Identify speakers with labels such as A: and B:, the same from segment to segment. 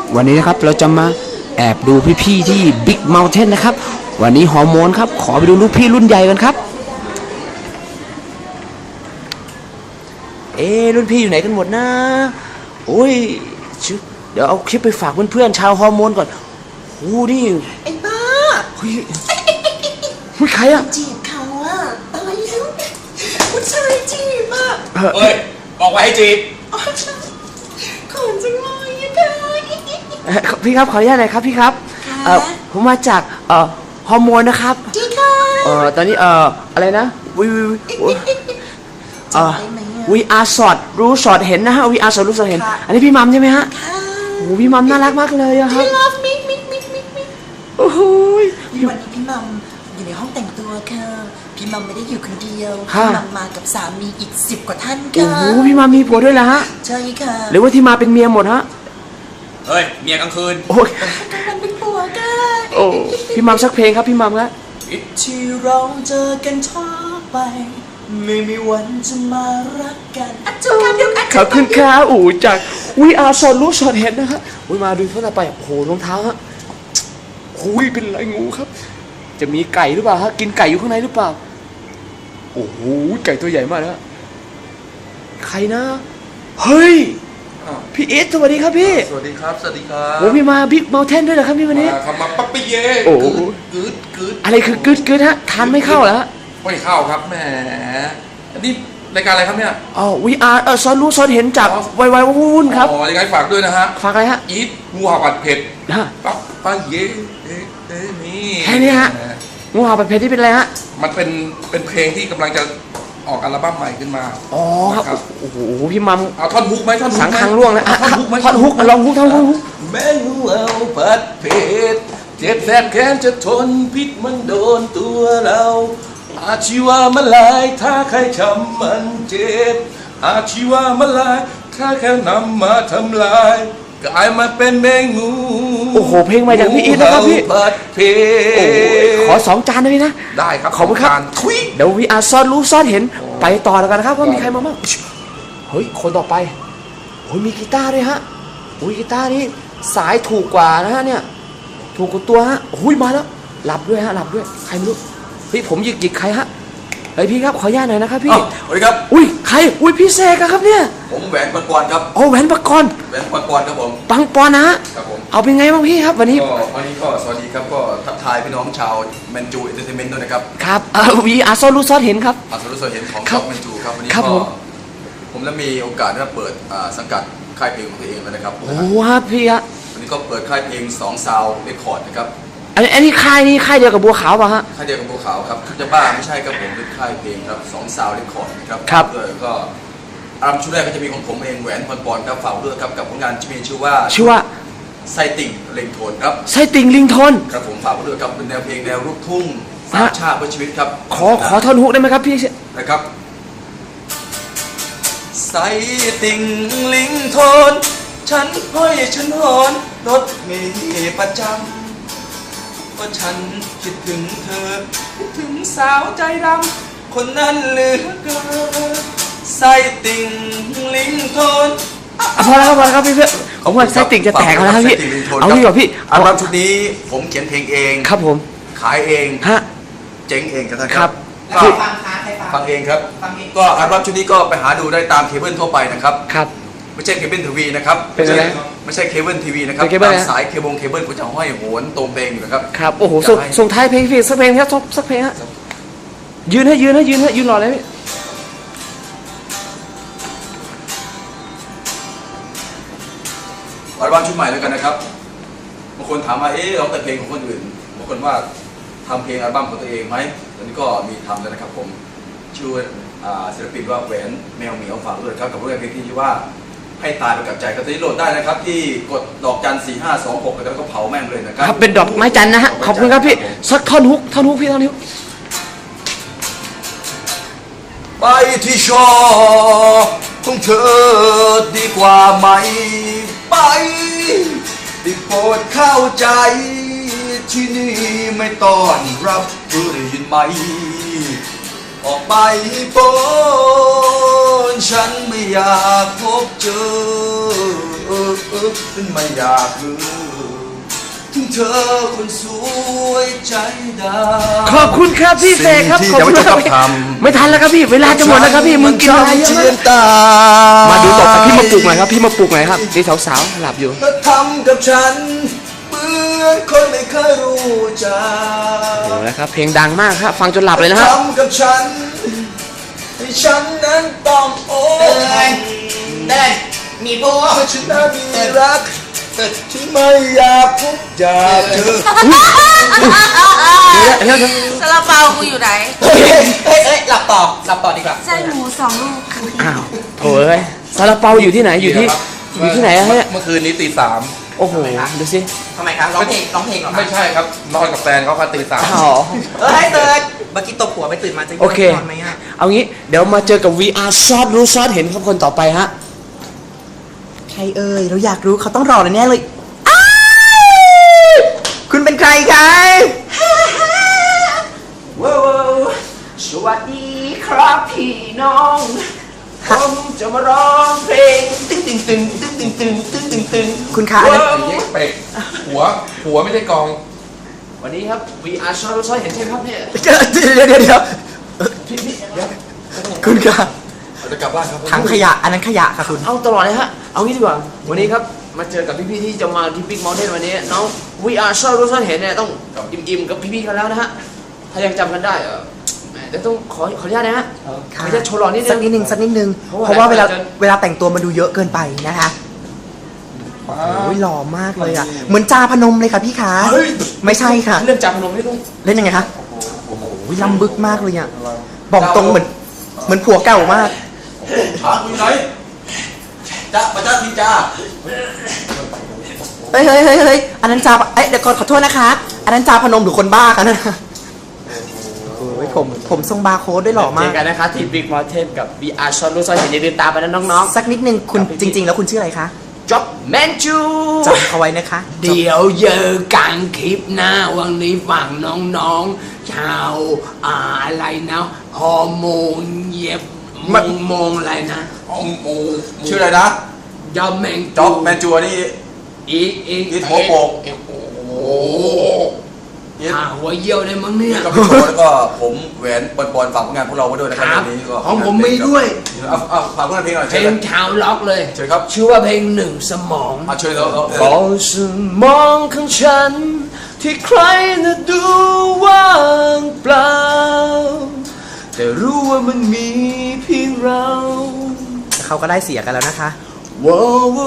A: วันนี้นะครับเราจะมาแอบดูพี่ๆที่ Big Mountain นะครับวันนี้ฮอร์โมนครับขอไปดูลูกพี่รุ่นใหญ่กันครับรุ่นพี่อยู่ไหนกันหมดนะโอ้ยเดี๋ยวเอาคลิปไปฝากเพื่อนๆชาวฮอร์โมนก่อนโอ้นี่
B: ไอ้บ้า
A: เฮ้ยใครอะ
B: จีบเขาอะตายแล้วผู้ชายจีบอะ
C: เฮ้ยบอกไว้ให้จีบ
B: ขนจังเลยอะ
A: พี่ครับขออนุญาตหน่อยครับพี่ครับผมมาจากฮอร์โมนนะครับ
B: จีค่ะ
A: ตอนนี้อะไรนะวีอาร์สอดรู้สอดเห็นนะฮะวีอาร์สอดรู้สอดเห็นอันนี้พี่มัมใช่ไหมฮะโอ้พี่มัมน่ารักมากเลยอะครับโอ้โห
B: วันนี้พี่มัมอยู่ในห้องแต่งตัวค่ะพี่มัมไม่ได้อยู่คนเดียวพี่มัมมากับสามีอีก10 กว่าท่านค่ะ
A: โอ้พี่มัมมีผัวด้วยเหรอฮะ
B: ใช่ค่ะ
A: หรือว่าที่มาเป็นเมียหมดฮะ
C: เฮ้ยเมียกลางคืน
A: โอ้ย
B: กลางวันเป็นผัวค่ะ
A: โอ้พี่มัมสักเพลงครับพี่มัมครับ
B: ที่เราเจอกันช้าไปไม่มีวันจะมารักกัน
A: ขอบคุณครับอู๋จากวีอาร์สอดรู้สอดเห็นนะฮะมาดูเท่าไหร่ไปโอ้โหรองเท้าฮะโอ้ยเป็นไรงูครับจะมีไก่หรือเปล่าฮะกินไก่อยู่ข้างในหรือเปล่าโอ้โหไก่ตัวใหญ่มากนะใครนะเฮ้ยพี่เอสสวัสดีครับพี่
C: สวัสดีครับสวัสดีครับ
A: โอ้พี่มาบิ๊กเมลเทนด้วยเหรอครับพี่วันนี้
C: มาปั๊บปี้เย่
A: โอ้
C: กึด
A: อะไรคือกึดฮะทานไม่เข้าเหรอฮะ
C: ไม่เข้าครับแหมอันนี้รายการอะไรครับเนี่ย
A: วีอาร์ซอนรู้ซอนเห็นจากไววุ่นครับ
C: ยังไงฝากด้วยนะฮะ
A: ฝากอะไรฮะ
C: อีทงูเห่าผัดเผ็ดปั๊บปี้เย่นี่
A: แค่นี้ฮะงูเห่าผัดเผ็ดที่เป็นอะไรฮะ
C: มันเป็นเพลงที่กำลังจะออกอัลบั้มใหม่ขึ้นมา
A: ครับโอ้โหพี่มัม
C: เอาท่อนฮุกไหมท่อนฮุก
A: สังคังล่วงนะท่อนฮุกไหมท่อนฮุกลองฮุกท่อนฮุก
C: แม่งูเห่าผัดเผ็ดเจ็บแสบแค้นจะทนพิษมันโดนตัวเราอาชีวะมาลายถ้าใครช้ำมันเจ็บอาชีวะมาลายถ้าแค่นำมาทำลายกลายมาเป็นแมงงู
A: โอ้โหเพลงมาจากพี่อีทนะครับพี่
C: ผัดเผ็
A: ดขอ2 จานได้ไหมนะ
C: ได้ครับ
A: ขอบคุณครับเดี๋ยววีอาร์ซ่อนรู้ซ่อนเห็นไปต่อแล้วกันนะครับว่ามีใครมาบ้างเฮ้ยคนต่อไปโอ้ยมีกีตาร์ด้วยฮะโอ้ยกีตาร์นี้สายถูกกว่านะฮะเนี่ยถูกกว่าตัวฮะโอ้ยมาแล้วหลับด้วยฮะหลับด้วยใครไม่รู้พี่ผมหยิกใครฮะเฮ้ยพี่ครับขออนุญาตหน่อยนะครับพี่
C: สวัสดีครับ
A: อุ้ยใครอุ้ยพี่เสกครับเนี่ย
C: ผมแหวนปังปอนครับ
A: โอ้แหวนปังปอน
C: ครับผม
A: ปังปอนนะฮะ
C: ครับผม
A: เอาเป็นไงบ้างพี่ครับวันนี้
C: ก็สวัสดีครับก็ทักทายพี่น้องชาวแมนจูเอนเตอร์เทนเมนต์ด้วยนะครับ
A: ครับวีอาร์ซอลูซอนเห็นครับ
C: อาร์ซอลูซอนเห็นของช็อปแมนจูครับวันนี้ก็ผมได้มีโอกาสได้เปิดสังกัดค่ายเพลงของตัวเองแล้วนะครับ
A: โอ้ครับพี่ฮะ
C: วันนี้ก็เปิดค่ายเพลง2 ซาวด์เรคคอร์ดนะครับ
A: อันนี้ค่ายเดียวกับบัวขาวป่ะฮะ
C: ค่ายเดียวกับบัวขาวครับจะบ้าไม่ใช่ครับผมเป็นค่ายเพลงครับ2 ซาวด์เรคคอร์ดนะครับ
A: ครับ
C: ก็อัลบั้มชุดแรกก็จะมีของผมเองแหวนปอนครับฝากด้วยครับกับผลงานที่มีชื่อว่าไซติ่งลิงโทนครับ
A: ไซติ่งลิงโทน
C: ครับผมฝากด้วยครับเป็นแนวเพลงแนวลูกทุ่งสามชาติเพื่อชีวิตครับ
A: ขอท่อนฮุกได้ไหมครับพี่
C: นะครับไซติ่งลิงโทนฉันห้อยฉันหอนรถมีประจำว่าฉันคิดถึงเธอคิดถึงสาวใจดำคนนั้นเหลือเกินไซติ่งลิงโทน
A: พอแล้วครับพี่เพื่อนผมว่าไซติ่งจะแตกแล้วครับพี่เอาดีกว่าพี่
C: อัลบั้มชุดนี้ผมเขียนเพลงเอง
A: ครับผม
C: ขายเอง
A: ฮะ
C: เจ๊งเอง
A: ครับ
C: ฟังเองครับก็อัลบั้มชุดนี้ก็ไปหาดูได้ตามเคเบิลทั่วไปนะครับ
A: ครับ
C: ไม่ใช่เคเบิลทีวีนะครับไม่ใช่เคเบิลทีวีนะครับตามสายเคเบิลก็จะห้อยโหนตรงเพลงอยู่นะครับ
A: ครับโอ้โหส่งท้ายเพลงพี่สักเพลงครับสักเพลงฮะยืนรอเลยพี่
C: อัลบั้มชุดใหม่แล้วกันนะครับบางคนถามว่าร้องแต่เพลงของคนอื่นบางคนว่าทำเพลงอัลบั้มของตัวเองไหมตอนนี้ก็มีทำแล้วนะครับผมชื่อศิลปินว่าแหวนแมวเหมียวฝากด้วยครับกับเพลงที่ชื่อว่าให้ตายไปกับใจก็จะโหลดได้นะครับที่กดดอกจัน 4526แล้วก็เผาแม่งเลยนะครับ
A: เป็นดอกไม้จันนะฮะขอบคุณครับพี่สักท่อนฮุกพี่ท่อนฮุก
C: ไปที่ชอของเธอดีกว่าไหมไปได้โปรดเข้าใจที่นี่ไม่ต้อนรับเธอได้ยินไหมออกไปพ้นฉันไม่อยากพบเจอไม่อยากลืมถึงเธอคนสวยใจดำ
A: ขอบคุณครับพี่เสกครับ
C: สิ่ง
A: ขอบ
C: ที่
A: คุณ
C: จะ
A: ค
C: ไม่
A: รับ
C: ต้องทำ
A: ไม่ทันแล้วครับพี่เวลาจะหมดแล้วครับพี่มึงกินอะไรเยอะมากมาดูต่อครับพี่มาปลุกหน่อยครับพี่มาปลุกหน่อยครับนี่สาวๆหลับอยู่
C: เธอทำกับฉันเหมือนคนไม่เคยรู้จัก
A: โอ้นะครับเพลงดังมากครับฟังจนหลับเลยนะฮะ
C: ทำกับฉันให้ฉันนั้นต้องโอ้
B: เดินเดินมีผู้
C: ให้ฉันนั้นมีรักที่ไม่อยากพบจากเธอ
A: เดี๋ยว
D: ซาลาเปากูอยู่ไหน
B: เอ้ยหลับต่อดีกว่า
D: ไส้หมู2 ลูก
A: อ้าวโถ่เอ้ยซาลาเปาอยู่ที่ไหนอยู่ที่ไหนอะฮะ
E: เมื่อคืนนี้ตี 3
A: โอ้โหดูสิ
B: ทำไมครับร้องเพลงเหรอ
E: ไม่ใช่ครับนอนกับแฟนเขาค่ะตี
A: อ๋อ
B: เอ้ยเตือนเมื่อกี้ตบหัวไปตื่นมาจะ
A: โอเค
B: นอนไหมอ่ะ
A: เอางี้เดี๋ยวมาเจอกับ VR ซอดรู้ซอดเห็นครับคนต่อไปฮะ
B: ใครเอ่ยเราอยากรู้เขาต้องรอแน่เลยอ้าวคุณเป็นใครคะว้าวสวัสดีครับพี่น้องผมจะมาร้องเพลงตึ้งตึ้งตึ้งตึ้งตึ้งตึ้งตึ้งตึ้งตึ้งคุณคะอันนั้น
E: 3เย็กเป็กหัวไม่ใช่กอง
A: วันนี้ครับ VR ซอดรู้ซอดเห็นใช่ไหมครับเนี่ย
B: เดี๋ยวคุณคะ
C: เราจะกลับบ้านครับ
B: ถังขยะอันนั้นขยะค่ะคุณ
A: เอาตลอดเลยฮะเอางี้ดีกว่าวันนี้ครับมาเจอกับพี่ๆที่จะมาที่ Big Mountain วันนี้น้อง VR ซอดรู้ซอดเห็นเนี่ยต้องอิ่มๆกับพี่ๆกันแล้วนะฮะถ้ายังจำกันได้แหมเดี๋ยวต้องขออนุญาตนะฮะขออนุญาตโชว์หล่อนิดนึ
B: สัก
A: ง
B: นิดนึงสักนิดนึง
A: เพราะว่า
B: เพราะว่าเวลา
A: จะ
B: เวลาแต่งตัวมันดูเยอะเกินไปนะคะโอ้ยหล่อมากเลยอ่ะเหมือนจาพนมเลยค่ะพี่ขาไม่ใช่ค่ะ
A: เรื่องจับพนมให้ลูก
B: เล่นยังไงคะโอ้โหลำบึกมากเลยอ่ะบอกตรงเหมือนผัวเก่ามาก
C: ถามอยู่ไหนจ้ามาจ้าทีจ้า
B: เฮ้ยอันนั้นจาเอ้ยเดี๋ยวก่อนขอโทษนะคะ อันนั้นจาพนมหรือคนบ้าคะนั่นน่ะโอ้ยผมทรงบาร์โค้ดด้วยหล่อ
A: เจ
B: มา
A: อก กันนะคะที่ Big Mountain กับ VR ซอดรู้ซอดเห็นอย่าลืมตามไปนะน้อง
B: สักนิดนึงคุณจริง ๆ แล้วคุณชื่ออะไรคะ
A: ๆ Job Manchu
B: จำเขาไว้นะคะ
A: เดี๋ยวเจอกันคลิปหน้าวันนี้ฝั่งน้องๆชาวอะไรนะฮอร์โมนเย็บมงอะไรนะ
C: ชื่ออะไรนะ
A: ยอมแมง
C: จ๊อบแมนจัวนี่
A: อีก
C: อีทหัวโปก
A: โอ้หัวเยี่ยวเลยมั้งเนี่ย
C: ก็พี่โชแล้วก็ผมแหวนบอลฝากผลงานพวกเราไว้ด้วยนะครับ
A: ครับ
C: วันนี้ก็
A: ของผมมีด้วย
C: เอาฝากผลงานเพลงหน่อย
A: เพ
C: เชิ
A: ล
C: ญ
A: งชาวล็อกเลย
C: เชิญครับ
A: ชื่อว่าเพลงหนึ่งสมอง
C: เชิญเรา
A: ก็สมองของฉัน ที่ใครน่ะดูว่างเปล่า แต่รู้ว่ามันมีเพียงเรา
B: เขาก็ได้เสียกันแล้วนะคะ
A: ว้าว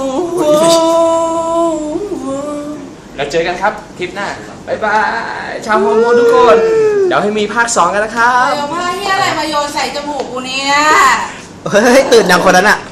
A: เราเจอกันครับคลิปหน้าบ๊ายบายชาวฮอร์โมนทุกคน เดี๋ยวให้มีภาค 2 กันนะครับ
D: เอาผ้าเฮียอะไรมาโยนใส่จมูกกูเนี่ย
B: เฮ้ยตื่นยังคนนั้นอ่ะ